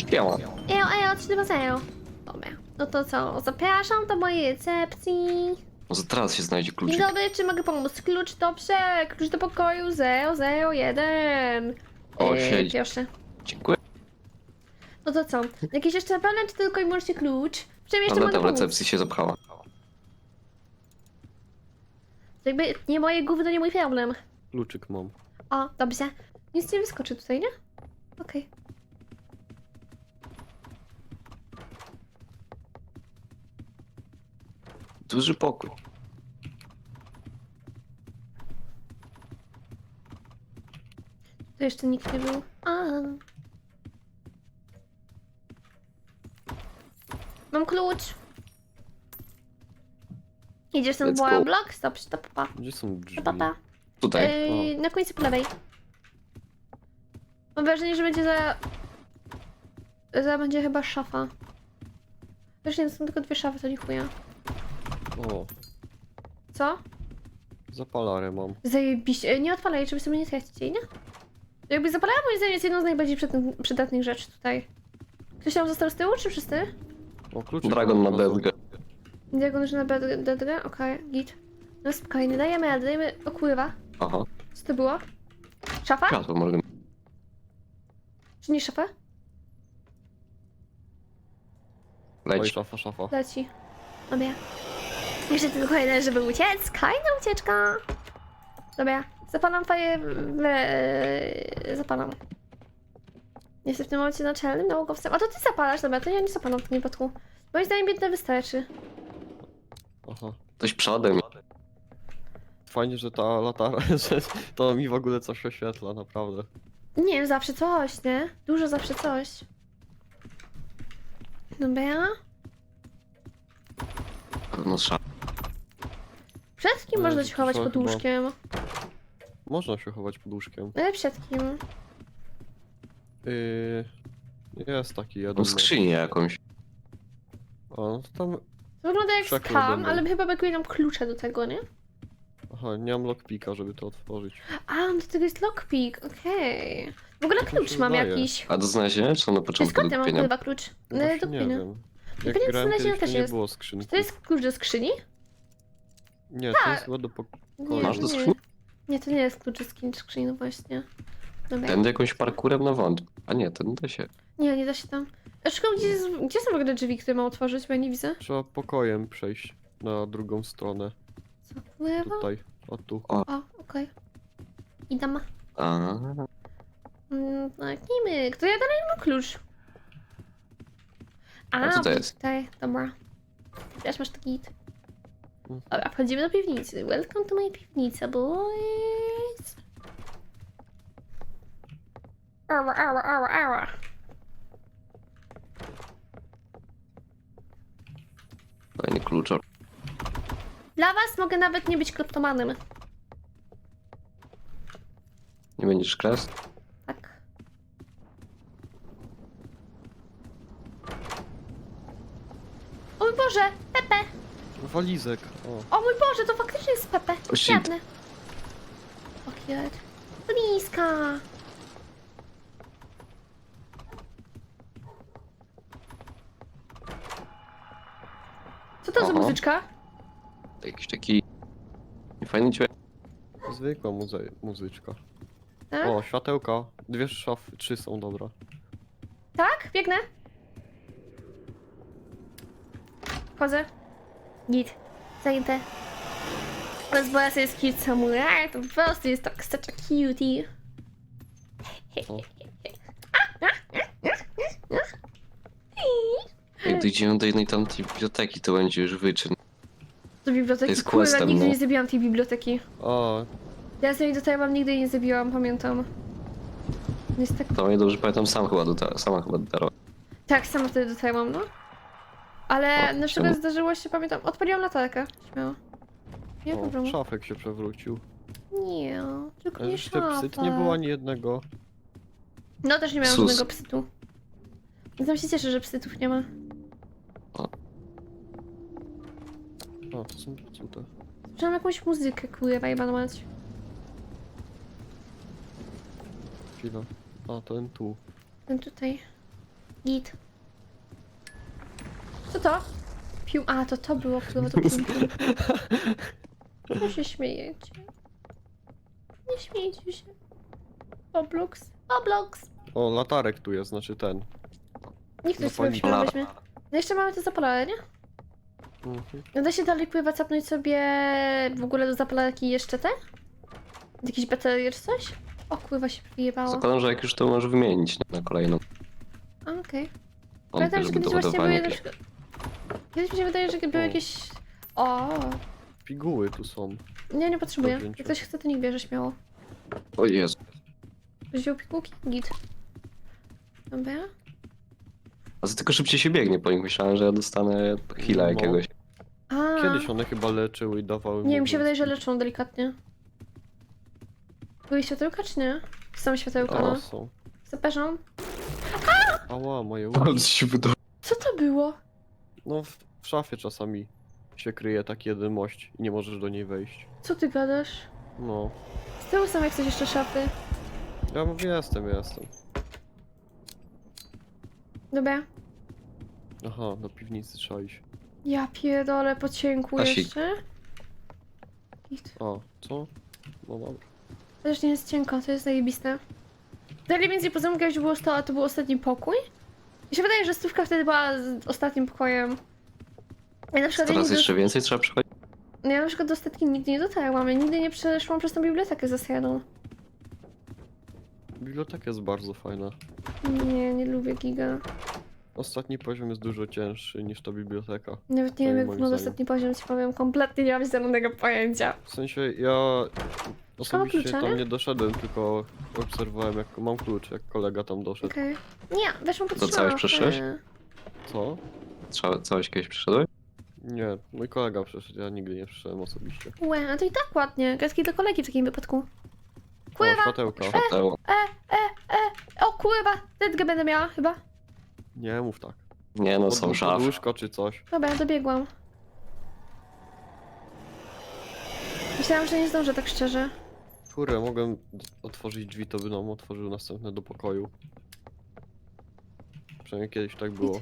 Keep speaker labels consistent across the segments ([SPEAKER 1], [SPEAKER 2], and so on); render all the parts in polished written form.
[SPEAKER 1] Biała.
[SPEAKER 2] Ejo, 320. Dobra, no to co? Zapraszam do mojej recepcji.
[SPEAKER 1] Może teraz się znajdzie
[SPEAKER 2] Dzień
[SPEAKER 1] kluczyk.
[SPEAKER 2] dobry, czy mogę pomóc? Klucz, dobrze. Klucz do pokoju 001.
[SPEAKER 1] O, siedzi.
[SPEAKER 2] Proszę.
[SPEAKER 1] Dziękuję.
[SPEAKER 2] No to co? Jakiś jeszcze problem, czy tylko i wyłącznie klucz? W czym jeszcze
[SPEAKER 1] Ale
[SPEAKER 2] mogę
[SPEAKER 1] tam
[SPEAKER 2] pomóc?
[SPEAKER 1] recepcji się zapchała.
[SPEAKER 2] Jakby nie moje gówno, nie mój problem.
[SPEAKER 3] Kluczyk mam.
[SPEAKER 2] O, dobrze. Nic nie wyskoczy tutaj, nie? Okej.
[SPEAKER 1] Duży pokój.
[SPEAKER 2] Tu jeszcze nikt nie był. Mam klucz. Idziesz ten
[SPEAKER 1] Let's go.
[SPEAKER 2] blok? Stop, stop, pa.
[SPEAKER 3] Gdzie są drzwi?
[SPEAKER 2] Pa.
[SPEAKER 1] Tutaj.
[SPEAKER 2] Na końcu po lewej. Mam wrażenie, że będzie będzie chyba szafa. Wiesz, nie, to są tylko dwie szafy, to nie chuja.
[SPEAKER 3] O,
[SPEAKER 2] Co?
[SPEAKER 3] zapalarę mam.
[SPEAKER 2] Zajebiście. Nie odpalaj, żeby sobie nie tracić jej, nie? Jakby zapalała, moim zdaniem jest jedną z najbardziej przydatnych rzeczy tutaj. Ktoś tam został z tyłu, czy wszyscy?
[SPEAKER 3] O, kluczyk
[SPEAKER 1] Dragon
[SPEAKER 3] mam
[SPEAKER 1] na
[SPEAKER 3] od razu.
[SPEAKER 1] deskę.
[SPEAKER 2] Diagon już na bedrę? Okej, git. No spokojnie, dajemy. O kurwa.
[SPEAKER 1] Aha.
[SPEAKER 2] Co to było? Szafa?
[SPEAKER 1] Światło może.
[SPEAKER 2] Czy nie szafa?
[SPEAKER 3] Oj,
[SPEAKER 1] Leć.
[SPEAKER 3] szafa.
[SPEAKER 2] Leci. Dobra. Jeszcze tylko jeden, żeby uciec. Kolejna ucieczka. Dobra. Zapalam faję... Zapalam. Jestem w tym momencie naczelnym naukowcem. A to ty zapalasz, dobra, to ja nie zapalam w tym wypadku. Moim zdaniem biedne wystarczy.
[SPEAKER 3] Aha.
[SPEAKER 1] Ktoś przodem.
[SPEAKER 3] Fajnie, że ta latara, że to mi w ogóle coś oświetla, naprawdę.
[SPEAKER 2] Nie wiem, zawsze coś, nie? Dużo zawsze coś. Dobra.
[SPEAKER 1] Pewno szaf.
[SPEAKER 2] Przed kim można się chować
[SPEAKER 3] to
[SPEAKER 2] pod
[SPEAKER 3] chyba-
[SPEAKER 2] łóżkiem?
[SPEAKER 3] Można się chować pod łóżkiem.
[SPEAKER 2] Ale przed kim?
[SPEAKER 3] Jest taki jeden.
[SPEAKER 1] Tą skrzynię jakąś.
[SPEAKER 3] A, no to tam...
[SPEAKER 2] To wygląda jak
[SPEAKER 3] Przekrój
[SPEAKER 2] skam,
[SPEAKER 3] będą.
[SPEAKER 2] ale chyba brakuje nam klucza do tego, nie?
[SPEAKER 3] Aha, nie mam lockpicka, żeby to otworzyć.
[SPEAKER 2] A, do tego jest lockpick, okej. W ogóle
[SPEAKER 3] Tak mi
[SPEAKER 2] klucz
[SPEAKER 3] się
[SPEAKER 2] mam
[SPEAKER 3] wydaje.
[SPEAKER 2] jakiś.
[SPEAKER 1] A do znalezienia czy na początku do
[SPEAKER 2] Skąd ja mam
[SPEAKER 1] kupienia?
[SPEAKER 2] chyba klucz?
[SPEAKER 3] No
[SPEAKER 2] Do
[SPEAKER 3] właśnie nie
[SPEAKER 2] kupienia.
[SPEAKER 3] wiem.
[SPEAKER 2] I
[SPEAKER 3] Jak
[SPEAKER 2] koniec
[SPEAKER 3] grałem
[SPEAKER 2] znalezienia
[SPEAKER 3] kiedyś, to
[SPEAKER 2] też
[SPEAKER 3] nie
[SPEAKER 2] jest.
[SPEAKER 3] było
[SPEAKER 2] Czy
[SPEAKER 3] skrzynki.
[SPEAKER 2] to jest klucz do skrzyni?
[SPEAKER 3] Nie, to
[SPEAKER 2] Tak.
[SPEAKER 3] jest chyba do
[SPEAKER 2] Nie,
[SPEAKER 1] Masz do
[SPEAKER 2] nie.
[SPEAKER 1] skrzyni?
[SPEAKER 2] Nie, to nie jest klucz do skrzyni, no właśnie. Dobra.
[SPEAKER 1] Tędy jakąś parkurem na wąt. A nie, ten da się.
[SPEAKER 2] Nie da się tam. A szukam, gdzie są w ogóle drzwi, które mam otworzyć, bo ja nie widzę.
[SPEAKER 3] Trzeba pokojem przejść na drugą stronę.
[SPEAKER 2] Co? Lewo?
[SPEAKER 3] Tutaj. O tu.
[SPEAKER 2] O, okej. I tam.
[SPEAKER 1] A,
[SPEAKER 2] Kliknijmy. Kto ja dalej mam klucz?
[SPEAKER 1] A co to jest?
[SPEAKER 2] Tutaj, dobra. Teraz masz taki git.
[SPEAKER 3] Mhm.
[SPEAKER 2] Dobra, wchodzimy do piwnicy. Welcome to my piwnica, boys. Ała.
[SPEAKER 1] fajny kluczor.
[SPEAKER 2] Dla was mogę nawet nie być kleptomanem.
[SPEAKER 1] Nie będziesz kres?
[SPEAKER 2] Tak. O mój Boże, Pepe!
[SPEAKER 3] Walizek. O.
[SPEAKER 2] O mój Boże, to faktycznie jest Pepe.
[SPEAKER 1] O, shit.
[SPEAKER 2] Świetny. O cute. Bliska. Co to za
[SPEAKER 1] Oho.
[SPEAKER 2] muzyczka?
[SPEAKER 1] Jakiś taki... Fajny dźwięk.
[SPEAKER 3] Zwykła muzyczka.
[SPEAKER 2] Tak?
[SPEAKER 3] O, światełka. Dwie szafy, 3 są, dobra.
[SPEAKER 2] Tak? Biegnę. Wchodzę. Git. Zajęte. Bez boja sobie jest cute samurai, to po prostu jest tak such a cutie.
[SPEAKER 3] O.
[SPEAKER 1] Jak dojdziemy do jednej tamtej biblioteki, to będzie już wyczyn.
[SPEAKER 2] Do biblioteki,
[SPEAKER 1] jest
[SPEAKER 2] kurwa,
[SPEAKER 1] questem,
[SPEAKER 2] nigdy
[SPEAKER 1] no.
[SPEAKER 2] nie zabiłam tej biblioteki.
[SPEAKER 3] O,
[SPEAKER 2] Ja z niej dotarłam, nigdy jej nie zabiłam, pamiętam. Jest tak...
[SPEAKER 1] To mnie dobrze pamiętam, sama chyba dotarła.
[SPEAKER 2] Tak, sama wtedy dotarłam, no. Ale
[SPEAKER 1] O,
[SPEAKER 2] na przykład
[SPEAKER 1] czemu?
[SPEAKER 2] zdarzyło się, pamiętam, odpaliłam latarkę. Śmiało. Nie ma
[SPEAKER 3] o,
[SPEAKER 2] problemu.
[SPEAKER 3] szafek się przewrócił.
[SPEAKER 2] Nie, tylko
[SPEAKER 3] Ale
[SPEAKER 2] nie
[SPEAKER 3] jeszcze psyt nie
[SPEAKER 2] szafa.
[SPEAKER 3] było ani jednego.
[SPEAKER 2] No też nie miałam
[SPEAKER 1] Sus.
[SPEAKER 2] żadnego psytu. Tam się cieszę, że psytów nie ma.
[SPEAKER 3] O, to są cute.
[SPEAKER 2] Słyszałam jakąś muzykę, kurwa, jebana mać.
[SPEAKER 3] Chwila. A, ten tu.
[SPEAKER 2] Ten tutaj. Git. Co to? Pium. A, to było, kurwa, to pium. No się śmiejecie. Nie śmiejcie się. Oblox. Oblox.
[SPEAKER 3] O, latarek tu jest, znaczy ten.
[SPEAKER 2] Nikt nie sobie
[SPEAKER 3] Zapalnik.
[SPEAKER 2] śmiał, weźmie. No jeszcze mamy to zapalane, nie?
[SPEAKER 3] Mhm.
[SPEAKER 2] Da się dalej pływać, zapnąć sobie w ogóle do zapalarki jeszcze te? Jakieś baterie czy coś? O kurwa się wyjebało.
[SPEAKER 1] Zakładam, że jak już to możesz wymienić na kolejną.
[SPEAKER 2] A, okej.
[SPEAKER 1] On
[SPEAKER 2] Pamiętam,
[SPEAKER 1] też
[SPEAKER 2] że
[SPEAKER 1] do
[SPEAKER 2] kiedyś właśnie były
[SPEAKER 1] ładowania
[SPEAKER 2] na
[SPEAKER 1] jakieś.
[SPEAKER 2] przykład... Kiedyś mi się wydaje, że były
[SPEAKER 3] O.
[SPEAKER 2] jakieś... O,
[SPEAKER 3] Piguły tu są.
[SPEAKER 2] nie potrzebuję.
[SPEAKER 3] Do wzięcia.
[SPEAKER 2] Jak ktoś chce, to niech bierze śmiało.
[SPEAKER 1] O Jezu.
[SPEAKER 2] Ktoś wziął pigułki? Git. Dobra.
[SPEAKER 1] A za tylko szybciej się biegnie po nich. Myślałem, że ja dostanę heala
[SPEAKER 3] No.
[SPEAKER 1] jakiegoś.
[SPEAKER 2] A,
[SPEAKER 3] Kiedyś one chyba leczyły i dawały
[SPEAKER 2] nie, mi się
[SPEAKER 3] movement
[SPEAKER 2] wydaje, że
[SPEAKER 3] speed.
[SPEAKER 2] leczą delikatnie. Były światełka czy nie? Są światełka,
[SPEAKER 3] O,
[SPEAKER 2] no.
[SPEAKER 3] są.
[SPEAKER 2] Zapraszam.
[SPEAKER 3] Ała, moje
[SPEAKER 1] Ale
[SPEAKER 3] uszy.
[SPEAKER 1] się wydało.
[SPEAKER 2] Co to było?
[SPEAKER 3] No, w szafie czasami się kryje taki jeden mość i nie możesz do niej wejść.
[SPEAKER 2] Co ty gadasz?
[SPEAKER 3] No.
[SPEAKER 2] Z tyłu są jak coś jeszcze szafy.
[SPEAKER 3] Ja mówię, jestem.
[SPEAKER 2] Dobra.
[SPEAKER 3] Aha, do piwnicy trzeba iść.
[SPEAKER 2] Ja pierdolę po cienku
[SPEAKER 1] Asik.
[SPEAKER 2] jeszcze. Git.
[SPEAKER 3] A, co? No dobra.
[SPEAKER 2] To też nie jest cienko, to jest zajebiste. Dalej między poziomu kiedyś było 100, a to był ostatni pokój. Mi się wydaje, że stówka wtedy była z ostatnim pokojem. Ja na przykład,
[SPEAKER 1] Teraz jeszcze więcej trzeba przechodzić.
[SPEAKER 2] ja na przykład do ostatni nigdy nie dotarłam. Ja nigdy nie przeszłam przez tą bibliotekę ze sredą.
[SPEAKER 3] Biblioteka jest bardzo fajna.
[SPEAKER 2] Nie lubię giga.
[SPEAKER 3] Ostatni poziom jest dużo cięższy niż ta biblioteka.
[SPEAKER 2] Nawet nie wiem, jak
[SPEAKER 3] moim
[SPEAKER 2] wygląda
[SPEAKER 3] zdaniem.
[SPEAKER 2] ostatni poziom, ci powiem. Kompletnie nie mam zielonego pojęcia.
[SPEAKER 3] W sensie ja osobiście
[SPEAKER 2] klucza,
[SPEAKER 3] tam
[SPEAKER 2] nie?
[SPEAKER 3] nie doszedłem, tylko obserwowałem jak mam klucz, jak kolega tam doszedł.
[SPEAKER 2] Okej. Nie, weszłam pod
[SPEAKER 1] To całeś
[SPEAKER 2] szafę.
[SPEAKER 1] przeszłeś?
[SPEAKER 3] Co?
[SPEAKER 1] Całeś kiedyś przyszedłeś?
[SPEAKER 3] Nie, mój kolega przyszedł, ja nigdy nie przyszedłem osobiście.
[SPEAKER 2] Łe, a to i tak ładnie. Gadki do kolegi w takim wypadku.
[SPEAKER 3] O,
[SPEAKER 2] Kurwa!
[SPEAKER 3] światełka.
[SPEAKER 1] Świateło.
[SPEAKER 2] O kurwa! Tetkę będę miała chyba.
[SPEAKER 3] Nie mów tak.
[SPEAKER 1] Nie no, są szafy.
[SPEAKER 3] Podłóżko czy coś.
[SPEAKER 2] Dobra, dobiegłam. Myślałam, że nie zdążę, tak szczerze.
[SPEAKER 3] Kurde, mogłem otworzyć drzwi, to by nam otworzył następne do pokoju. Przynajmniej kiedyś tak było.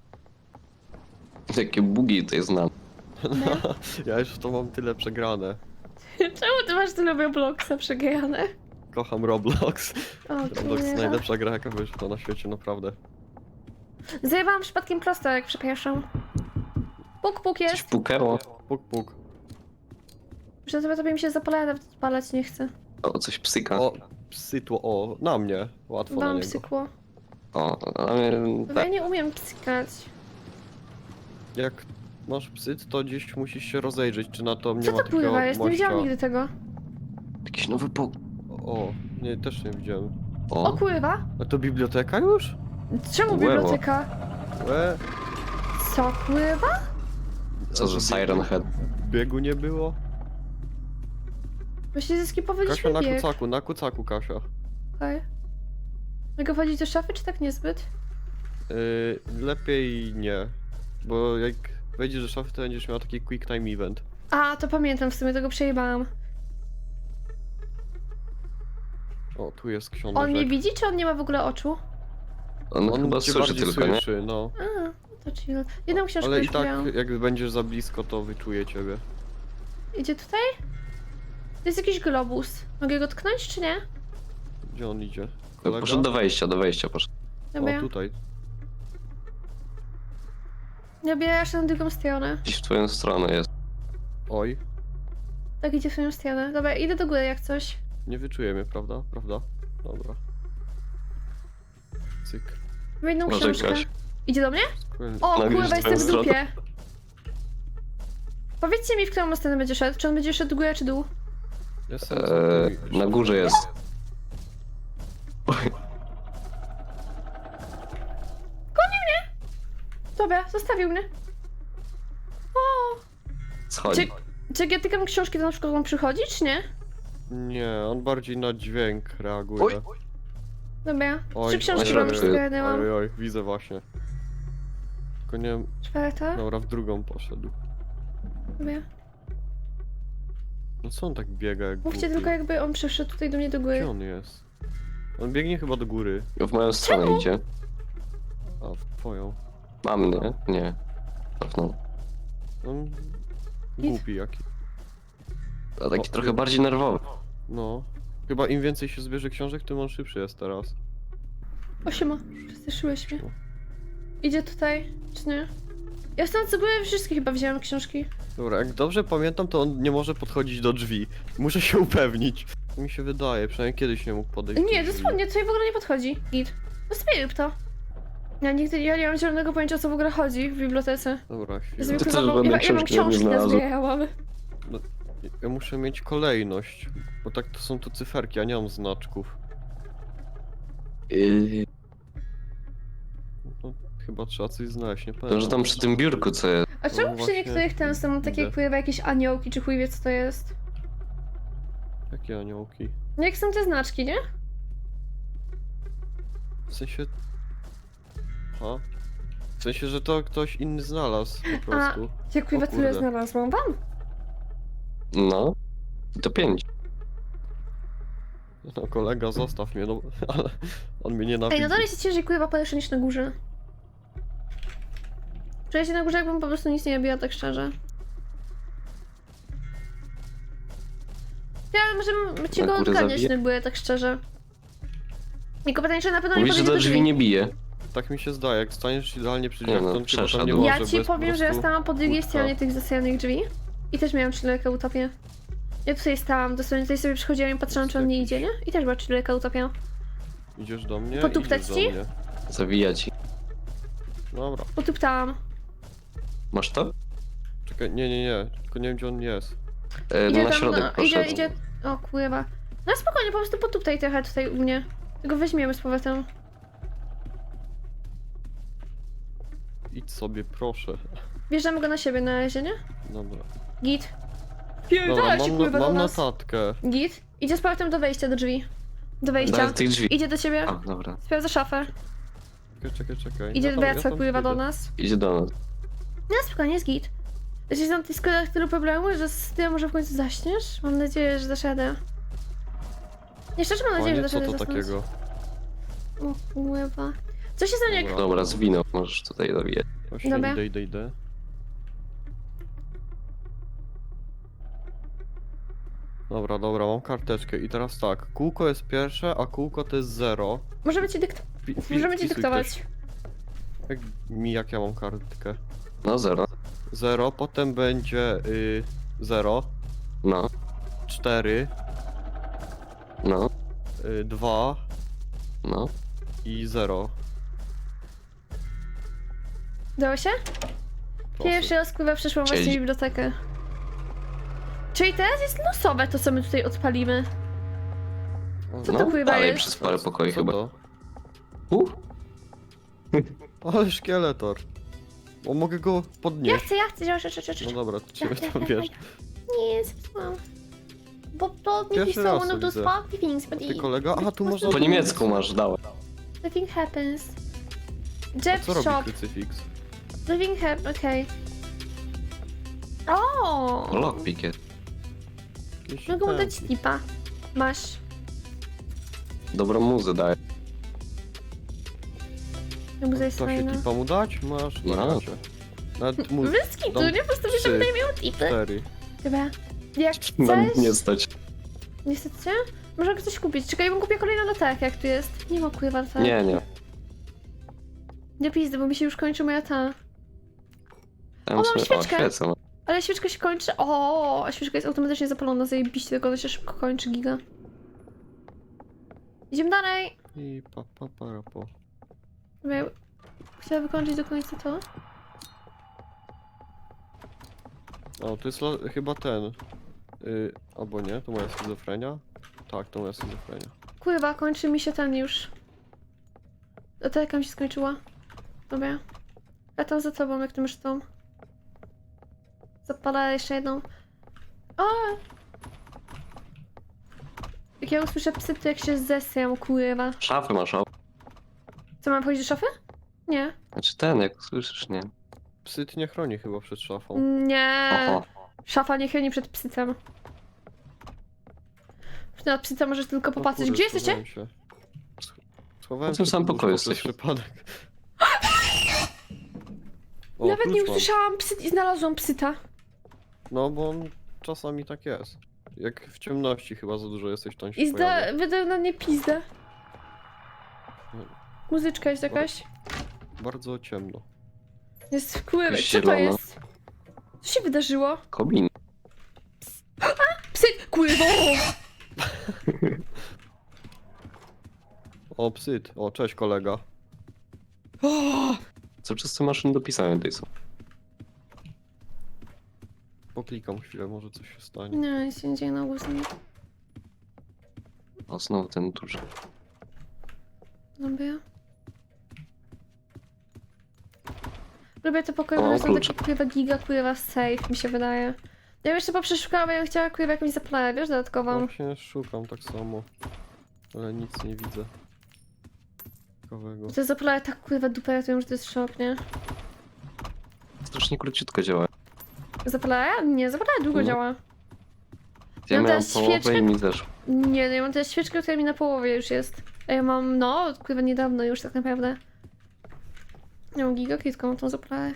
[SPEAKER 1] Jakie bugi to jest znam.
[SPEAKER 3] Ja już w to mam tyle przegrane.
[SPEAKER 2] Czemu ty masz tyle Robloxa przegrane?
[SPEAKER 3] Kocham Roblox.
[SPEAKER 2] O
[SPEAKER 3] Roblox to
[SPEAKER 2] kurwa.
[SPEAKER 3] najlepsza gra jaka wyszła na świecie, naprawdę.
[SPEAKER 2] Zajebałam przypadkiem prosto, jak przepraszam. Puk
[SPEAKER 1] Coś
[SPEAKER 2] jest.
[SPEAKER 1] pukało.
[SPEAKER 3] Puk puk.
[SPEAKER 2] Że tobie mi się zapala, nawet odpalać nie chcę.
[SPEAKER 1] O, coś psyka.
[SPEAKER 3] O, psytło, o, na mnie. Łatwo na
[SPEAKER 2] Wam
[SPEAKER 3] niego.
[SPEAKER 2] psykło.
[SPEAKER 1] O, ale...
[SPEAKER 2] Bo ja nie umiem psykać.
[SPEAKER 3] Jak masz psyt, to gdzieś musisz się rozejrzeć, czy na to nie
[SPEAKER 2] Co
[SPEAKER 3] ma
[SPEAKER 2] to
[SPEAKER 3] takiego
[SPEAKER 2] pływa jest? Nie widziałam
[SPEAKER 3] mościa.
[SPEAKER 2] nigdy tego.
[SPEAKER 1] Jakiś nowy
[SPEAKER 3] O, nie, też nie widziałem.
[SPEAKER 2] O
[SPEAKER 1] O,
[SPEAKER 2] kurwa!
[SPEAKER 3] A to biblioteka już?
[SPEAKER 2] Czemu
[SPEAKER 1] Łewo.
[SPEAKER 2] biblioteka?
[SPEAKER 3] Łe,
[SPEAKER 2] Co kurwa?
[SPEAKER 1] co za Siren Head.
[SPEAKER 3] biegu nie było?
[SPEAKER 2] Właśnie zeskipować
[SPEAKER 3] Kasia na
[SPEAKER 2] bieg.
[SPEAKER 3] kucaku Kasia.
[SPEAKER 2] Okej. Mogę wchodzić do szafy, czy tak niezbyt?
[SPEAKER 3] Lepiej nie, bo jak wejdziesz do szafy, to będziesz miał taki quick time event.
[SPEAKER 2] A, to pamiętam, w sumie tego przejebałam.
[SPEAKER 3] O, tu jest książek.
[SPEAKER 2] On mnie widzi, czy on nie ma w ogóle oczu?
[SPEAKER 1] On chyba
[SPEAKER 3] cię
[SPEAKER 1] słyszy
[SPEAKER 3] bardziej
[SPEAKER 1] tylko, nie?
[SPEAKER 3] słyszy, no.
[SPEAKER 2] A, no to chill. Jedną książkę
[SPEAKER 3] Ale i
[SPEAKER 2] już
[SPEAKER 3] tak,
[SPEAKER 2] miałam.
[SPEAKER 3] jak będziesz za blisko, to wyczuje ciebie.
[SPEAKER 2] Idzie tutaj? To jest jakiś globus. Mogę go tknąć, czy nie?
[SPEAKER 3] Gdzie on idzie?
[SPEAKER 1] Poszedł do wejścia poszedł.
[SPEAKER 2] Dobra.
[SPEAKER 3] O, tutaj.
[SPEAKER 2] Ja bierasz na drugą stronę.
[SPEAKER 1] Gdzieś w twoją stronę jest.
[SPEAKER 3] Oj,
[SPEAKER 2] Tak, idzie w swoją stronę. Dobra, idę do góry jak coś.
[SPEAKER 3] nie wyczuje mnie, prawda? Prawda? Dobra. Cyk.
[SPEAKER 2] W jedną
[SPEAKER 1] Może
[SPEAKER 2] książkę.
[SPEAKER 1] Kaś.
[SPEAKER 2] Idzie do mnie?
[SPEAKER 3] Kurde.
[SPEAKER 2] O,
[SPEAKER 1] No,
[SPEAKER 2] kurwa,
[SPEAKER 1] gdzieś w
[SPEAKER 2] jestem w
[SPEAKER 1] twoją
[SPEAKER 2] dupie. Powiedzcie mi, w którą stronę będzie szedł. Czy on będzie szedł górę, czy dół?
[SPEAKER 3] Jestem za tymi-
[SPEAKER 1] Na górze jest. Oj,
[SPEAKER 2] Dobra, zostawił mnie. O!
[SPEAKER 1] schodzi.
[SPEAKER 2] Czy jak ja tykam książki, to na przykład on przychodzi, czy nie?
[SPEAKER 3] Nie, on bardziej na dźwięk reaguje.
[SPEAKER 1] Oj.
[SPEAKER 2] Dobra.
[SPEAKER 3] Oj,
[SPEAKER 2] 3 książki
[SPEAKER 1] oj,
[SPEAKER 2] mam już
[SPEAKER 1] oj,
[SPEAKER 2] zgarnęłam.
[SPEAKER 3] Oj, widzę właśnie. Tylko nie wiem,
[SPEAKER 2] 4.
[SPEAKER 3] dobra, w drugą poszedł.
[SPEAKER 2] Dobra.
[SPEAKER 3] No co on tak biega jak
[SPEAKER 2] Mówcie
[SPEAKER 3] głupi?
[SPEAKER 2] tylko, jakby on przyszedł tutaj do mnie do góry.
[SPEAKER 3] Gdzie on jest? On biegnie chyba do góry.
[SPEAKER 1] W moją stronę idzie.
[SPEAKER 3] A, twoją.
[SPEAKER 1] Mam, nie? Nie. Cofnął.
[SPEAKER 3] On głupi jaki.
[SPEAKER 1] A taki
[SPEAKER 3] O,
[SPEAKER 1] trochę bardziej nerwowy.
[SPEAKER 3] No. Chyba im więcej się zbierze książek, tym on szybszy jest teraz.
[SPEAKER 2] O, siema. Przestraszyłeś mnie. Idzie tutaj, czy nie? Ja stąd sobie wszystkie chyba wziąłem książki.
[SPEAKER 3] Dobra, jak dobrze pamiętam, to on nie może podchodzić do drzwi. Muszę się upewnić. Mi się wydaje, przynajmniej kiedyś nie mógł podejść
[SPEAKER 2] Nie,
[SPEAKER 3] do drzwi.
[SPEAKER 2] dosłownie, tutaj w ogóle nie podchodzi. Git. No spieruj to. Ja nie mam zielonego pojęcia, o co w ogóle chodzi w bibliotece.
[SPEAKER 3] Dobra,
[SPEAKER 2] Ja
[SPEAKER 3] chwilę.
[SPEAKER 2] sobie
[SPEAKER 1] Ty też
[SPEAKER 2] kurwa,
[SPEAKER 1] żadnej
[SPEAKER 2] ja mam
[SPEAKER 1] książki nie
[SPEAKER 2] książki
[SPEAKER 1] znalazłem.
[SPEAKER 2] nazbierałam.
[SPEAKER 3] Ja muszę mieć kolejność, bo tak to są tu cyferki, a nie mam znaczków. No, chyba trzeba coś znaleźć, nie
[SPEAKER 1] To,
[SPEAKER 3] pamiętam.
[SPEAKER 1] że tam przy tym biurku co jest.
[SPEAKER 2] A czemu przy
[SPEAKER 3] właśnie
[SPEAKER 2] niektórych ten są takie
[SPEAKER 3] idę.
[SPEAKER 2] pływa jakieś aniołki, czy chuj wie co to jest?
[SPEAKER 3] Jakie aniołki?
[SPEAKER 2] No jak są te znaczki, nie?
[SPEAKER 3] W sensie... Ha? W sensie, że to ktoś inny znalazł po prostu.
[SPEAKER 2] Jak pływa
[SPEAKER 3] O
[SPEAKER 2] tyle
[SPEAKER 3] kurde.
[SPEAKER 2] znalazłam wam?
[SPEAKER 1] No. I to 5.
[SPEAKER 3] No kolega, zostaw mnie, no ale on mnie
[SPEAKER 2] Ej,
[SPEAKER 3] nienawidzi.
[SPEAKER 2] no dalej się ciężej pływa podejście niż na górze. Czuję się na górze, jakbym po prostu nic nie robiła, tak szczerze. Ja może ci
[SPEAKER 1] Na
[SPEAKER 2] go
[SPEAKER 1] górę
[SPEAKER 2] odganiać
[SPEAKER 1] zabije?
[SPEAKER 2] na górę, tak szczerze. Tylko pytanie, czy na pewno nie
[SPEAKER 1] Mówisz, że
[SPEAKER 2] podejdzie
[SPEAKER 1] do drzwi nie bije.
[SPEAKER 3] Tak mi się zdaje, jak staniesz idealnie przy
[SPEAKER 1] Nie
[SPEAKER 3] drzwiach,
[SPEAKER 1] no,
[SPEAKER 3] to on chyba tam
[SPEAKER 1] przeszedł.
[SPEAKER 3] nie może,
[SPEAKER 2] Ja
[SPEAKER 3] bo
[SPEAKER 2] ci
[SPEAKER 3] jest po
[SPEAKER 2] powiem, że ja
[SPEAKER 3] prostu
[SPEAKER 2] stałam po drugiej
[SPEAKER 3] łódka.
[SPEAKER 2] stronie tych zasyjanych drzwi. I też miałam czyleka utopię. Ja tutaj stałam, dosłownie tutaj sobie przychodziłam i patrzyłam, czy on nie idzie, nie? I też była czyleka utopia.
[SPEAKER 3] Idziesz do mnie?
[SPEAKER 2] Potuptać
[SPEAKER 3] Idziesz
[SPEAKER 2] ci?
[SPEAKER 3] do mnie.
[SPEAKER 1] Zawija ci.
[SPEAKER 3] Dobra,
[SPEAKER 2] Potuptałam.
[SPEAKER 1] Masz to?
[SPEAKER 3] czekaj, nie, tylko nie wiem gdzie on jest.
[SPEAKER 1] Na środek poszedł.
[SPEAKER 2] idzie. O kurwa. No spokojnie, po prostu potuptaj trochę tutaj u mnie. Tego weźmiemy z powrotem.
[SPEAKER 3] Idź sobie, proszę.
[SPEAKER 2] Bierzemy go na siebie na razie, nie?
[SPEAKER 3] Dobra.
[SPEAKER 2] Git.
[SPEAKER 3] Dobra,
[SPEAKER 2] Pierdolę się
[SPEAKER 3] mam,
[SPEAKER 2] kurwa do
[SPEAKER 3] mam
[SPEAKER 2] nas.
[SPEAKER 3] notatkę.
[SPEAKER 2] Git. Idzie z powrotem do wejścia, do drzwi. Do wejścia.
[SPEAKER 1] Daj tych drzwi.
[SPEAKER 2] Idzie do ciebie.
[SPEAKER 1] A, dobra.
[SPEAKER 2] Sprawdza szafę.
[SPEAKER 3] Czekaj.
[SPEAKER 2] Idzie, wraca
[SPEAKER 3] tam
[SPEAKER 2] pływa do
[SPEAKER 3] idę.
[SPEAKER 2] nas.
[SPEAKER 1] Idzie do nas.
[SPEAKER 2] No spokojnie, jest git. Jeśli są ty składach tylu problemu, że z tym może w końcu zaśniesz? Mam nadzieję, że dasz radę. Nie, szczerze mam nadzieję, że
[SPEAKER 3] Panie,
[SPEAKER 2] dasz
[SPEAKER 3] co
[SPEAKER 2] radę
[SPEAKER 3] to
[SPEAKER 2] zasnąć.
[SPEAKER 3] takiego?
[SPEAKER 2] O kurwa. Co się stanie, jak...
[SPEAKER 3] Dobra.
[SPEAKER 1] Dobra, zwinął. Możesz tutaj zawijać.
[SPEAKER 3] Właśnie
[SPEAKER 2] Dobra.
[SPEAKER 3] idę. Dobra, mam karteczkę i teraz tak, kółko jest pierwsze, a kółko to jest 0.
[SPEAKER 2] Możemy ci Możemy ci dyktować.
[SPEAKER 3] Jak ja mam kartkę?
[SPEAKER 1] No, 0.
[SPEAKER 3] 0, potem będzie 0,
[SPEAKER 1] No,
[SPEAKER 3] 4,
[SPEAKER 1] no,
[SPEAKER 3] 2
[SPEAKER 1] no.
[SPEAKER 3] i 0.
[SPEAKER 2] Dało się?
[SPEAKER 3] Proszę.
[SPEAKER 2] Pierwszy raz pływa przeszłam właśnie
[SPEAKER 1] Siedzi.
[SPEAKER 2] bibliotekę. Czyli teraz jest losowe to, co my tutaj odpalimy. Co to
[SPEAKER 1] No,
[SPEAKER 2] pływa
[SPEAKER 1] dalej
[SPEAKER 2] jest?
[SPEAKER 1] przez parę pokoi
[SPEAKER 3] Co
[SPEAKER 1] chyba.
[SPEAKER 3] to?
[SPEAKER 1] Uh,
[SPEAKER 3] Ale szkieletor. Bo mogę go
[SPEAKER 2] Ja
[SPEAKER 3] podnieść.
[SPEAKER 2] chcę.
[SPEAKER 3] No dobra, to ciebie
[SPEAKER 2] Ja,
[SPEAKER 3] tam
[SPEAKER 2] ja,
[SPEAKER 3] wiesz.
[SPEAKER 2] Nie, zepsułam. Bo to nie
[SPEAKER 3] Pierwszy
[SPEAKER 2] pisał
[SPEAKER 3] raz
[SPEAKER 2] one
[SPEAKER 3] to
[SPEAKER 2] of those
[SPEAKER 3] widzę.
[SPEAKER 2] funky things, but
[SPEAKER 3] Ty kolega? Aha, tu można...
[SPEAKER 1] po niemiecku masz, dałem.
[SPEAKER 2] Nothing happens.
[SPEAKER 3] A
[SPEAKER 2] Jeff
[SPEAKER 3] co robi
[SPEAKER 2] shop.
[SPEAKER 3] krucyfiks?
[SPEAKER 2] Nothing happens, okej. O!
[SPEAKER 1] Lockpick jest.
[SPEAKER 3] Jakieś
[SPEAKER 2] Mogę mu dać
[SPEAKER 3] pęki.
[SPEAKER 2] tipa. Masz.
[SPEAKER 1] Dobrą muzę daje.
[SPEAKER 2] Muza jest
[SPEAKER 3] To się
[SPEAKER 2] fajna.
[SPEAKER 3] tipa mu dać? Masz,
[SPEAKER 1] No.
[SPEAKER 3] wariacie. Nawet mu
[SPEAKER 2] Wyski, tu
[SPEAKER 3] dam
[SPEAKER 2] nie? Po prostu wiesz,
[SPEAKER 3] 3,
[SPEAKER 2] że tutaj miał tipy.
[SPEAKER 3] 4.
[SPEAKER 2] Chyba. Jak
[SPEAKER 1] Na
[SPEAKER 2] chcesz...
[SPEAKER 1] nie stać.
[SPEAKER 2] Niestety? Może coś kupić. Czekaj, ja bym kupiła kolejną latarkę, jak tu jest. Nie ma kurwa latarki.
[SPEAKER 1] Nie.
[SPEAKER 2] Nie pizdy, bo mi się już kończy moja ta.
[SPEAKER 1] Tam
[SPEAKER 2] mam
[SPEAKER 1] sobie...
[SPEAKER 2] świeczkę.
[SPEAKER 1] świecę. No.
[SPEAKER 2] Ale świeczka się kończy. O, a świeczka jest automatycznie zapalona, zajebiście, tylko ona się szybko kończy, giga. Idziemy dalej.
[SPEAKER 3] I po.
[SPEAKER 2] Dobra, chciałam wykończyć do końca to.
[SPEAKER 3] O, to jest chyba ten. Albo nie, to moja schizofrenia? Tak, to moja schizofrenia.
[SPEAKER 2] Kurwa, kończy mi się ten już. Latarka mi się skończyła. Dobra. Ja tam za tobą, jak ty masz tą. Zapala jeszcze jedną. O! Jak ja usłyszę psy, to jak się zesram, kurwa.
[SPEAKER 1] Szafy masz, o.
[SPEAKER 2] Co, mam wchodzić do szafy? Nie.
[SPEAKER 1] Znaczy ten, jak słyszysz, nie?
[SPEAKER 3] Psyt nie chroni chyba przed szafą.
[SPEAKER 2] Nie.
[SPEAKER 1] Oho.
[SPEAKER 2] Szafa nie chroni przed psycem. Na psyca możesz tylko
[SPEAKER 3] O
[SPEAKER 2] popatrzeć.
[SPEAKER 3] kurde,
[SPEAKER 2] Gdzie jesteście?
[SPEAKER 3] schowałem się. Schowałem
[SPEAKER 1] W tym
[SPEAKER 3] się
[SPEAKER 1] samym
[SPEAKER 3] pod
[SPEAKER 1] pokoju
[SPEAKER 3] łóżko przez
[SPEAKER 1] jesteśmy.
[SPEAKER 3] przypadek. O,
[SPEAKER 2] Nawet nie
[SPEAKER 3] klucz mam.
[SPEAKER 2] usłyszałam psyt i znalazłam psyta.
[SPEAKER 3] No bo on czasami tak jest. Jak w ciemności chyba za dużo jesteś, to on się
[SPEAKER 2] I
[SPEAKER 3] pojawia.
[SPEAKER 2] wydał na mnie pizdę. Muzyczka jest jakaś.
[SPEAKER 3] Bardzo ciemno.
[SPEAKER 2] Jest wpływ.
[SPEAKER 1] Jest
[SPEAKER 2] Co to
[SPEAKER 1] zielono.
[SPEAKER 2] jest? Co się wydarzyło?
[SPEAKER 1] Kobin.
[SPEAKER 2] Psyt! Kurwa!
[SPEAKER 3] O, psyt. O, cześć kolega.
[SPEAKER 1] Co przez te maszyny do pisania tutaj są?
[SPEAKER 3] Poklikam chwilę, może coś się stanie.
[SPEAKER 2] Nie, nic się nie dzieje na ogół.
[SPEAKER 1] O, znowu ten duży.
[SPEAKER 2] Lubię. Lubię te pokoje,
[SPEAKER 1] O,
[SPEAKER 2] bo są
[SPEAKER 1] klucze.
[SPEAKER 2] takie kurwa giga, kurwa safe, mi się wydaje. Ja bym jeszcze poprzeszukała, bo ja bym chciała kurwa jakąś zapleję, wiesz, dodatkową.
[SPEAKER 3] Właśnie szukam tak samo. Ale nic nie widzę. Ciekawego.
[SPEAKER 2] Te zapleję tak kurwa dupę ratują, że to jest szok, nie?
[SPEAKER 1] Strasznie króciutko działa.
[SPEAKER 2] Zapleję? Nie, zapleję długo
[SPEAKER 1] No.
[SPEAKER 2] działa.
[SPEAKER 1] Ja
[SPEAKER 2] mam
[SPEAKER 1] miałem
[SPEAKER 2] teraz
[SPEAKER 1] połowę
[SPEAKER 2] świeczkę.
[SPEAKER 1] i mi zeszło.
[SPEAKER 2] Nie, no ja mam teraz świeczkę, która mi na połowie już jest. A ja mam, no, kurwa niedawno już tak naprawdę. Ja mam gigakitką, mam tą zapleję.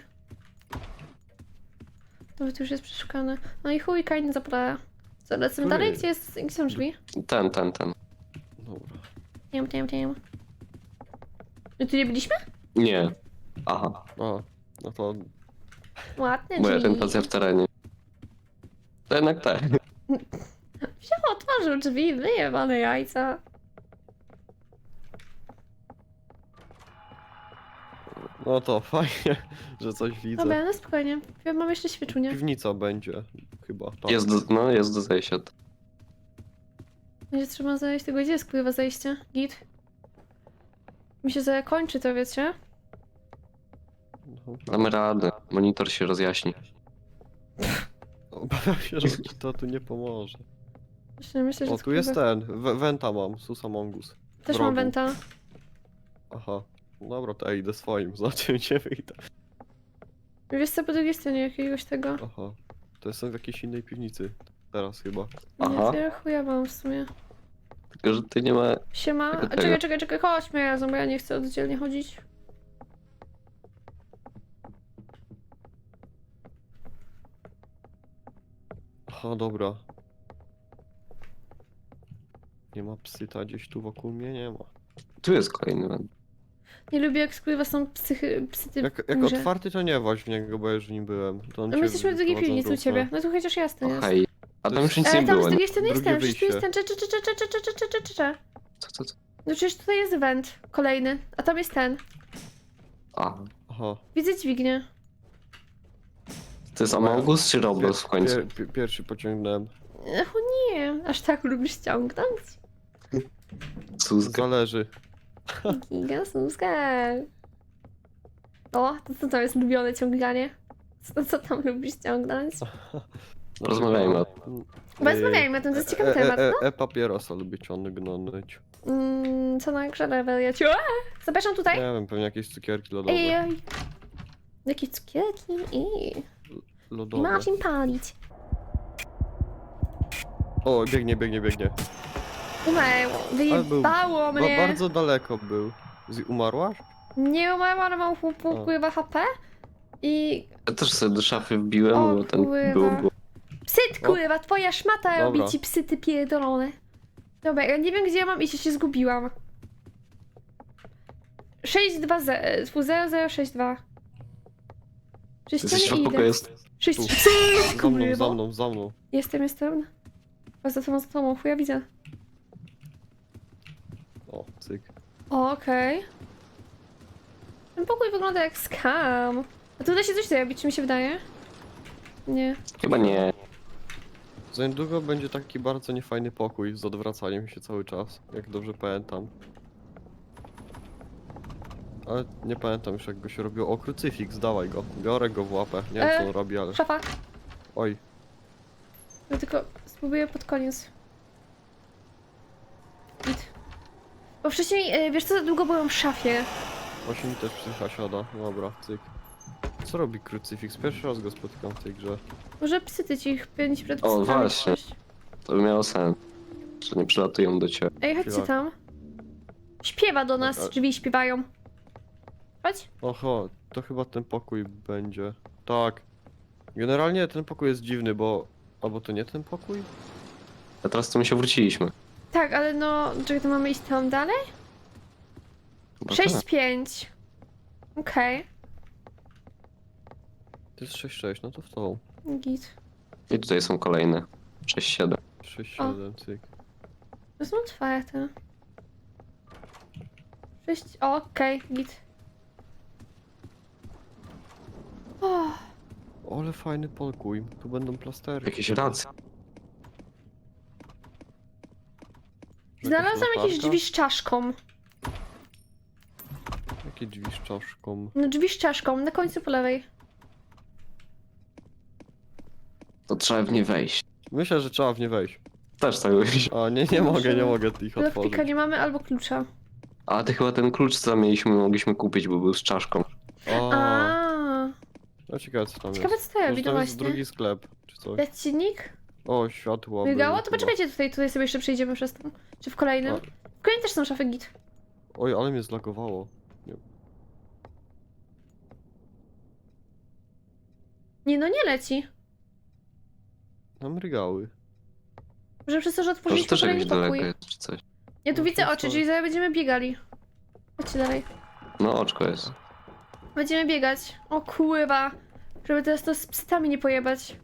[SPEAKER 2] Nawet już jest przeszukane. No i chuj, kajny zapleję. Co, lecimy
[SPEAKER 3] Który?
[SPEAKER 2] dalej? Gdzie są drzwi?
[SPEAKER 1] Ten.
[SPEAKER 3] Dobra.
[SPEAKER 2] Wiem. My tu nie byliśmy?
[SPEAKER 1] Nie. Aha,
[SPEAKER 3] A, no to
[SPEAKER 2] Ładne
[SPEAKER 1] moja
[SPEAKER 2] drzwi.
[SPEAKER 1] orientacja w terenie. To jednak tak.
[SPEAKER 2] Wziął, otworzył drzwi, wyjebane jajca.
[SPEAKER 3] No to fajnie, że coś widzę.
[SPEAKER 2] Dobra, no spokojnie. Ja mam jeszcze świeczunię.
[SPEAKER 3] Piwnica będzie, chyba. Tak.
[SPEAKER 1] Jest do zejścia.
[SPEAKER 2] Będzie trzeba zejść. Tego gdzie jest kurwa zejście? Git. Mi się zakończy to, wiecie?
[SPEAKER 3] No,
[SPEAKER 1] Damy radę. Monitor się rozjaśni.
[SPEAKER 3] obawiam się, że ci to tu nie pomoże.
[SPEAKER 2] Myślę, że
[SPEAKER 3] O,
[SPEAKER 2] jest
[SPEAKER 3] tu jest
[SPEAKER 2] kurwa-
[SPEAKER 3] ten. Wenta mam, Susa Mongus.
[SPEAKER 2] Też
[SPEAKER 3] wrogu.
[SPEAKER 2] mam wenta.
[SPEAKER 3] Aha. Dobra, to ja idę swoim, zobaczymy gdzie wyjdę.
[SPEAKER 2] Wiesz co, po drugiej stronie jakiegoś tego.
[SPEAKER 3] Aha. To jestem w jakiejś innej piwnicy. Teraz chyba.
[SPEAKER 1] Aha.
[SPEAKER 2] Nie, to ja chuja mam w sumie.
[SPEAKER 1] Tylko, że ty nie ma...
[SPEAKER 2] Siema.
[SPEAKER 1] Tego,
[SPEAKER 2] A
[SPEAKER 1] tego.
[SPEAKER 2] czekaj, chodźmy razem, bo ja nie chcę oddzielnie chodzić.
[SPEAKER 3] Aha, dobra. Nie ma psyta gdzieś tu wokół mnie? Nie ma.
[SPEAKER 1] Tu jest kolejny węd.
[SPEAKER 2] Nie lubię jak kurwa są psyty
[SPEAKER 3] Jak
[SPEAKER 2] w górze.
[SPEAKER 3] otwarty to nie właź w niego, bo ja już nim byłem. To on
[SPEAKER 2] No my
[SPEAKER 3] cię
[SPEAKER 2] jesteśmy w drugiej
[SPEAKER 3] wyprowadza w
[SPEAKER 2] piwnicy u
[SPEAKER 3] drugą
[SPEAKER 2] ciebie. No tu chociaż jasne jest.
[SPEAKER 1] Okej. A tam już nic
[SPEAKER 2] Ale
[SPEAKER 1] nie
[SPEAKER 2] tam
[SPEAKER 1] było.
[SPEAKER 2] z drugiej strony jest
[SPEAKER 3] Drugie
[SPEAKER 2] ten, przecież tu jest
[SPEAKER 3] wyjście.
[SPEAKER 2] ten.
[SPEAKER 1] Co?
[SPEAKER 2] No przecież tutaj jest węd kolejny, a tam jest ten.
[SPEAKER 1] A.
[SPEAKER 3] Aha.
[SPEAKER 2] Widzę dźwignię.
[SPEAKER 1] To jest Among Us czy Roblox w końcu?
[SPEAKER 3] Pierwszy pociągnąłem.
[SPEAKER 2] O nie, aż tak lubisz ciągnąć.
[SPEAKER 1] Suzga.
[SPEAKER 3] Zależy.
[SPEAKER 2] Gigasuska. O, to co tam jest lubione ciąganie? Co tam lubisz ciągnąć?
[SPEAKER 1] Rozmawiajmy o tym.
[SPEAKER 2] Rozmawiajmy o tym, to jest ciekawy temat, no.
[SPEAKER 3] Papierosa lubię ciągnąć.
[SPEAKER 2] Co na grze wariaciu? Zapraszam
[SPEAKER 3] Nie
[SPEAKER 2] tutaj.
[SPEAKER 3] wiem, pewnie jakieś cukierki lodowe.
[SPEAKER 2] Ej. Jakie cukierki i
[SPEAKER 3] Lodowe.
[SPEAKER 2] Marcin palić.
[SPEAKER 3] O, biegnie.
[SPEAKER 2] Umarło, wyjebało mnie.
[SPEAKER 3] Bardzo daleko był. Umarłaś?
[SPEAKER 2] Nie umarłam, ale mam chłopu,
[SPEAKER 3] O.
[SPEAKER 2] pływa HP. I
[SPEAKER 1] Ja też sobie do szafy wbiłem,
[SPEAKER 2] O,
[SPEAKER 1] bo ten
[SPEAKER 2] kurwa.
[SPEAKER 1] było.
[SPEAKER 2] psyt,
[SPEAKER 3] O.
[SPEAKER 2] kurwa, twoja szmata robi
[SPEAKER 3] Dobra.
[SPEAKER 2] ci psyty pierdolone. Dobra, ja nie wiem gdzie ja mam iść, ja się zgubiłam. 62062. Przecież
[SPEAKER 1] Jesteś w
[SPEAKER 2] nie
[SPEAKER 1] środku
[SPEAKER 2] idę.
[SPEAKER 1] pokoju, jest...
[SPEAKER 2] 6
[SPEAKER 3] Tu.
[SPEAKER 2] psyt,
[SPEAKER 3] Za mną,
[SPEAKER 2] kurwa.
[SPEAKER 3] za mną.
[SPEAKER 2] Jestem. O, za tobą, chuja widzę.
[SPEAKER 3] O, cyk.
[SPEAKER 2] O, okej. Ten pokój wygląda jak scam. A tu da się coś zrobić, czy mi się wydaje? Nie.
[SPEAKER 1] Chyba nie.
[SPEAKER 3] Za niedługo będzie taki bardzo niefajny pokój z odwracaniem się cały czas, jak dobrze pamiętam. Ale nie pamiętam już jak go się robiło. O, krucyfiks, dawaj go. Biorę go w łapę. Nie wiem co on robi, ale...
[SPEAKER 2] Szafa.
[SPEAKER 3] Oj,
[SPEAKER 2] Ja tylko spróbuję pod koniec. Git. Bo wcześniej, wiesz co, za długo byłam w szafie.
[SPEAKER 3] właśnie mi też psycha siada. Dobra, cyk. Co robi krucyfiks? Pierwszy raz go spotykam w tej grze.
[SPEAKER 2] Może psyty ci pięć przed
[SPEAKER 1] O,
[SPEAKER 2] psytami
[SPEAKER 1] właśnie.
[SPEAKER 2] coś.
[SPEAKER 1] To by miało sens. Że nie przylatują do ciebie.
[SPEAKER 2] Ej, chodźcie
[SPEAKER 3] Śpiewa.
[SPEAKER 2] tam. Śpiewa do nas,
[SPEAKER 3] Ale-
[SPEAKER 2] drzwi śpiewają. Chodź.
[SPEAKER 3] Oho, to chyba ten pokój będzie. Tak. Generalnie ten pokój jest dziwny, bo... Albo to nie ten pokój?
[SPEAKER 1] A teraz to my się wróciliśmy.
[SPEAKER 2] Tak, ale no, czekaj, to mamy iść tam dalej?
[SPEAKER 1] Chyba
[SPEAKER 2] 6-5. Okej,
[SPEAKER 3] To jest 6-6, no to w tą.
[SPEAKER 2] git.
[SPEAKER 1] I tutaj są kolejne. 6-7.
[SPEAKER 3] 6-7, cyk.
[SPEAKER 2] To są otwarte. 6, okej, git. O,
[SPEAKER 3] Ale fajny pokój. Tu będą plastery.
[SPEAKER 1] Jakieś racje.
[SPEAKER 2] znalazłam jakieś drzwi z czaszką.
[SPEAKER 3] Jakie drzwi z czaszką?
[SPEAKER 2] No drzwi z czaszką, na końcu po lewej.
[SPEAKER 1] To trzeba w nie wejść.
[SPEAKER 3] Myślę, że trzeba w nie wejść.
[SPEAKER 1] Też tak myślę.
[SPEAKER 3] A nie mogę ich
[SPEAKER 2] Lewpika
[SPEAKER 3] otworzyć.
[SPEAKER 2] nie mamy albo klucza.
[SPEAKER 1] A ty chyba ten klucz, co mogliśmy kupić, bo był z czaszką.
[SPEAKER 2] A,
[SPEAKER 3] No ciekawe co tam
[SPEAKER 2] ciekawe
[SPEAKER 3] jest.
[SPEAKER 2] co to robi,
[SPEAKER 3] Może
[SPEAKER 2] no
[SPEAKER 3] tam jest
[SPEAKER 2] właśnie.
[SPEAKER 3] drugi sklep, czy coś.
[SPEAKER 2] Lecnik?
[SPEAKER 3] O, światło.
[SPEAKER 2] Migało?
[SPEAKER 3] były
[SPEAKER 2] To
[SPEAKER 3] chyba.
[SPEAKER 2] poczekajcie tutaj sobie jeszcze przejdziemy przez to. Czy w kolejnym?
[SPEAKER 3] A.
[SPEAKER 2] W kolejnym też są szafy git.
[SPEAKER 3] Oj, ale mnie zlagowało.
[SPEAKER 2] Nie no, nie leci.
[SPEAKER 3] Nam rygały.
[SPEAKER 2] Może przez to, że
[SPEAKER 1] Może
[SPEAKER 2] otworzyliśmy
[SPEAKER 1] też jakoś
[SPEAKER 2] kolejny
[SPEAKER 1] daleko
[SPEAKER 2] pokój.
[SPEAKER 1] jest, czy coś.
[SPEAKER 2] Ja tu
[SPEAKER 3] No,
[SPEAKER 2] widzę
[SPEAKER 3] to
[SPEAKER 2] oczy,
[SPEAKER 3] jest
[SPEAKER 2] czyli zaraz będziemy biegali. Chodźcie dalej.
[SPEAKER 1] No, oczko jest.
[SPEAKER 2] Będziemy biegać. O kurwa. Żeby teraz to z psytami nie pojebać.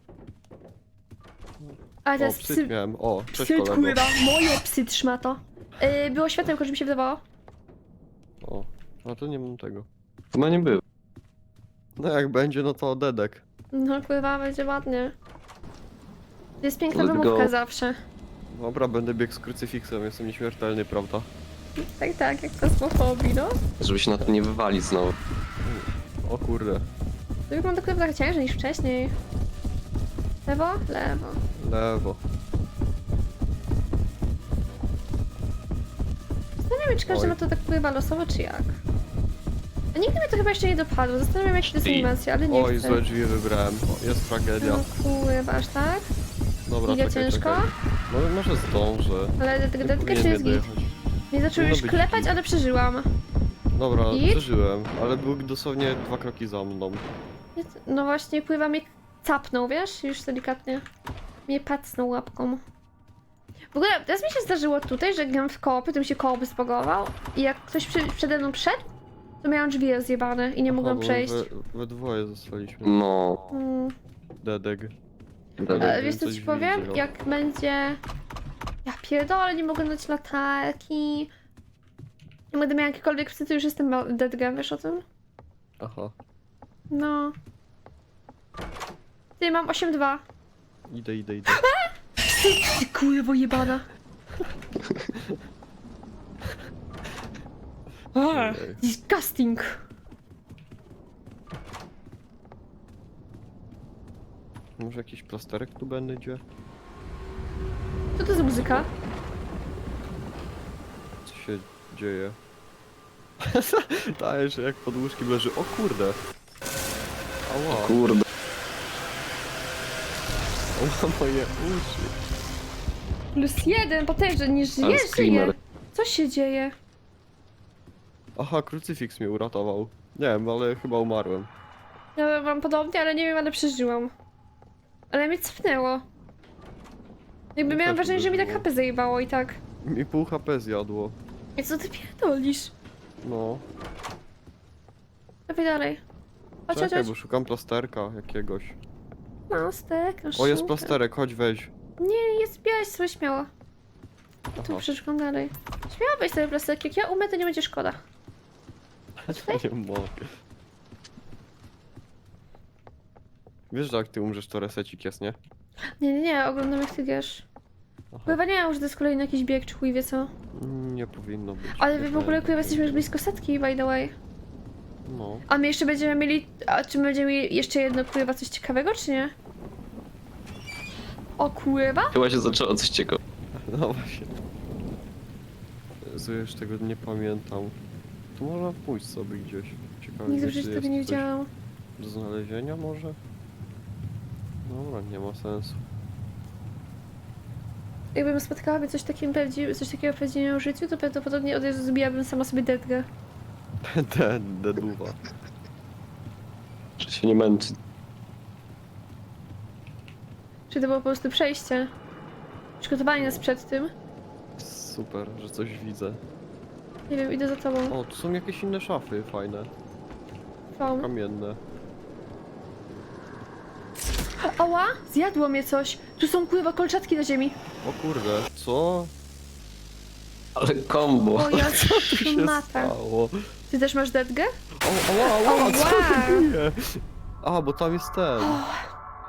[SPEAKER 2] A
[SPEAKER 3] O,
[SPEAKER 2] teraz
[SPEAKER 3] psyt
[SPEAKER 2] psy...
[SPEAKER 3] miałem. O, cześć
[SPEAKER 2] Psy,
[SPEAKER 3] kolego.
[SPEAKER 2] kurwa. Moje psy trzyma to. Było światełko, że mi się wydawało.
[SPEAKER 3] O, a to nie mam tego.
[SPEAKER 1] Chyba nie było.
[SPEAKER 3] No jak będzie, no to dedek.
[SPEAKER 2] No kurwa, będzie ładnie. To jest piękna
[SPEAKER 1] Let's
[SPEAKER 2] wymówka
[SPEAKER 1] go.
[SPEAKER 2] zawsze.
[SPEAKER 3] Dobra, będę biegł z krucyfiksem, jestem nieśmiertelny, prawda?
[SPEAKER 2] Tak, tak, jak kosmofobii, no.
[SPEAKER 1] Żeby się na to nie wywalić znowu.
[SPEAKER 3] O kurde.
[SPEAKER 2] To wygląda trochę tak ciężej niż wcześniej. Lewo? Lewo.
[SPEAKER 3] Lewo.
[SPEAKER 2] Zastanawiam się, czy każdy
[SPEAKER 3] Oj.
[SPEAKER 2] ma to tak pływa losowo, czy jak. A nigdy mnie to chyba jeszcze nie dopadło. Zastanawiam się, jak to jest
[SPEAKER 1] Ej.
[SPEAKER 2] animacja, ale nie
[SPEAKER 3] Oj,
[SPEAKER 2] chcę.
[SPEAKER 3] złe drzwi wybrałem. O, jest tragedia.
[SPEAKER 2] No kurwa, aż tak?
[SPEAKER 3] Dobra,
[SPEAKER 2] Giga
[SPEAKER 3] czekaj,
[SPEAKER 2] ciężko?
[SPEAKER 3] czekaj. No może zdążę.
[SPEAKER 2] Ale
[SPEAKER 3] Nie
[SPEAKER 2] dedkę
[SPEAKER 3] powinien
[SPEAKER 2] czy jest
[SPEAKER 3] mnie
[SPEAKER 2] git?
[SPEAKER 3] dojechać.
[SPEAKER 2] Nie zaczął
[SPEAKER 3] Powinno
[SPEAKER 2] już
[SPEAKER 3] być
[SPEAKER 2] klepać,
[SPEAKER 3] git.
[SPEAKER 2] ale przeżyłam.
[SPEAKER 3] Dobra,
[SPEAKER 2] Git?
[SPEAKER 3] przeżyłem, ale był dosłownie 2 kroki za mną.
[SPEAKER 2] No właśnie, pływa mnie capnął, wiesz? Już delikatnie. Mnie pacnął łapką. W ogóle teraz mi się zdarzyło tutaj, że gram w koopy, to mi się koop zbagował. I jak ktoś przede mną wszedł, to miałam drzwi rozjebane i nie mogłam
[SPEAKER 3] bo
[SPEAKER 2] przejść.
[SPEAKER 3] we dwoje zostaliśmy.
[SPEAKER 1] No.
[SPEAKER 2] Mm.
[SPEAKER 3] Dedek.
[SPEAKER 2] Ale
[SPEAKER 3] Wiem,
[SPEAKER 2] wiesz co
[SPEAKER 3] coś
[SPEAKER 2] ci powiem?
[SPEAKER 3] widzę.
[SPEAKER 2] Jak będzie... Ja pierdolę, nie mogę dać latarki. Jak będę miała jakiekolwiek psy, to już jestem dead game, wiesz o tym?
[SPEAKER 3] Aha,
[SPEAKER 2] No. Ty, mam 8-2.
[SPEAKER 3] idę.
[SPEAKER 2] Ty kurwo jebana.
[SPEAKER 3] Ej.
[SPEAKER 2] Disgusting.
[SPEAKER 3] Może jakiś plasterek tu będzie?
[SPEAKER 2] Co to za muzyka?
[SPEAKER 3] Co się dzieje? Dajesz, jak pod łóżkiem leży. O kurde! Ała,
[SPEAKER 1] Kurde.
[SPEAKER 3] ała moje uszy.
[SPEAKER 2] +1, potężny, nie
[SPEAKER 1] Ale
[SPEAKER 2] żyje, żyje.
[SPEAKER 1] screamer.
[SPEAKER 2] Co się dzieje?
[SPEAKER 3] Aha, krucyfiks mnie uratował. Nie wiem, ale chyba umarłem.
[SPEAKER 2] Ja mam podobnie, ale nie wiem, ale przeżyłam. Ale mnie cofnęło. Jakby
[SPEAKER 3] Ja
[SPEAKER 2] miałam
[SPEAKER 3] też
[SPEAKER 2] wrażenie, że mi tak
[SPEAKER 3] uderzyło.
[SPEAKER 2] HP zajebało i tak.
[SPEAKER 3] Mi pół HP zjadło.
[SPEAKER 2] I co ty pierdolisz?
[SPEAKER 3] No.
[SPEAKER 2] Dawaj dalej. Chodź, chodź,
[SPEAKER 3] Czekaj,
[SPEAKER 2] chodź.
[SPEAKER 3] bo szukam plasterka jakiegoś.
[SPEAKER 2] Mastek,
[SPEAKER 3] O, jest plasterek, chodź weź.
[SPEAKER 2] Nie, jest białeś sobie śmiało. Tu
[SPEAKER 3] Aha,
[SPEAKER 2] przeszukam dalej. Śmiało weź sobie plasterek, jak ja umrę, to nie będzie szkoda.
[SPEAKER 3] nie mogę. Wiesz, że jak ty umrzesz, to resecik jest, nie?
[SPEAKER 2] Nie, oglądam jak ty wiesz.
[SPEAKER 3] Aha.
[SPEAKER 2] Chyba nie wiem, że to jest kolejny jakiś bieg, czy chuj wie co.
[SPEAKER 3] Nie powinno być.
[SPEAKER 2] Ale
[SPEAKER 3] Nie
[SPEAKER 2] w ogóle
[SPEAKER 3] powinno
[SPEAKER 2] kurwa jesteśmy już blisko setki, by the way.
[SPEAKER 3] No.
[SPEAKER 2] A my jeszcze będziemy mieli... A czy będziemy mieli jeszcze jedno kurwa coś ciekawego, czy nie? O kurwa?
[SPEAKER 1] Chyba się zaczęło coś ciekawego.
[SPEAKER 3] No właśnie. Jezu, już tego nie pamiętam. Tu można pójść sobie gdzieś. Ciekawe,
[SPEAKER 2] Nigdy w
[SPEAKER 3] gdzie
[SPEAKER 2] życiu
[SPEAKER 3] tu
[SPEAKER 2] tego nie
[SPEAKER 3] jest coś
[SPEAKER 2] widziałam.
[SPEAKER 3] do znalezienia może? Dobra, nie ma sensu.
[SPEAKER 2] Jakbym spotkałaby coś takiego w prawdziwym życiu, to prawdopodobnie od razu zbijałabym sama sobie detkę.
[SPEAKER 3] Deduwa.
[SPEAKER 1] Że się nie męczy.
[SPEAKER 2] Czy to było po prostu przejście? Przygotowanie nas przed tym?
[SPEAKER 3] Super, że coś widzę.
[SPEAKER 2] Nie wiem, idę za tobą.
[SPEAKER 3] O, tu są jakieś inne szafy fajne.
[SPEAKER 2] Są.
[SPEAKER 3] Kamienne.
[SPEAKER 2] Oła! Zjadło mnie coś! Tu są kurwa kolczatki na ziemi.
[SPEAKER 3] O kurde, co?
[SPEAKER 1] Ale kombo.
[SPEAKER 2] O ja
[SPEAKER 3] Co tu się
[SPEAKER 2] matę.
[SPEAKER 3] stało?
[SPEAKER 2] Ty też masz detgę?
[SPEAKER 3] O, ała, ała, co
[SPEAKER 2] Ała.
[SPEAKER 3] to bije? A, bo tam jest ten.